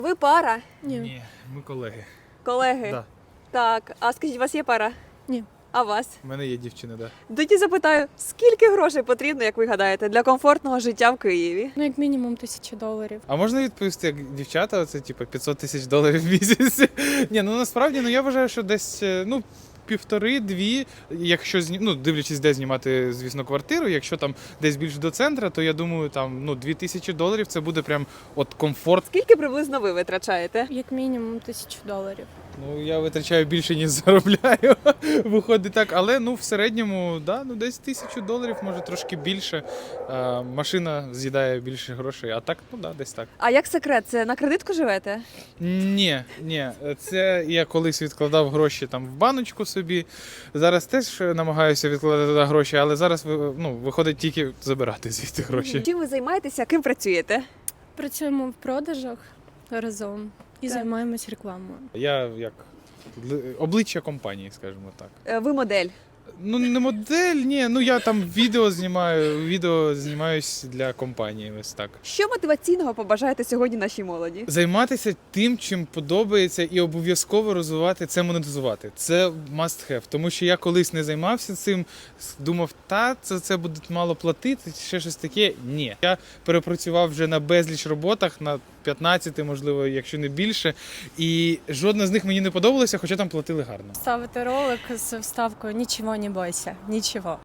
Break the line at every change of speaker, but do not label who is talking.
Ви пара?
Ні, ми колеги.
Колеги?
Да.
Так, а скажіть, у вас є пара?
Ні.
А вас?
У мене є дівчина, да.
Тоді запитаю, скільки грошей потрібно, як ви гадаєте, для комфортного життя в Києві?
Ну, як мінімум $1000.
А можна відповісти, як дівчата, це типу $500 000 в місяць? Ні, ну насправді, я вважаю, що десь, півтори-дві, якщо дивлячись, де знімати, звісно, квартиру, якщо там десь більш до центру, то я думаю, там $2000 це буде прям от комфорт.
Скільки приблизно ви витрачаєте?
Як мінімум $1000.
Ну, я витрачаю більше, ніж заробляю, виходить так, але в середньому, десь $1000, може трошки більше. Машина з'їдає більше грошей, а так, десь так.
А як секрет, це на кредитку живете?
Ні, це я колись відкладав гроші там в баночку собі. Зараз теж намагаюся відкладати гроші, але зараз виходить тільки забирати звідти гроші.
Чим ви займаєтеся, ким працюєте?
Працюємо в продажах разом і
Так.
займаємось рекламою.
Я як обличчя компанії, скажімо так.
Ви модель.
Не модель, ні, я там відео знімаюсь для компанії, ось так.
Що мотиваційного побажаєте сьогодні нашій молоді?
Займатися тим, чим подобається, і обов'язково розвивати це, монетизувати. Це must have. Тому що я колись не займався цим, думав, це буде мало платити, ще щось таке. Ні. Я перепрацював вже на безліч роботах, на 15, можливо, якщо не більше. І жодна з них мені не подобалася, хоча там платили гарно.
Ставити ролик з вставкою «Нічого не бойся, нічого».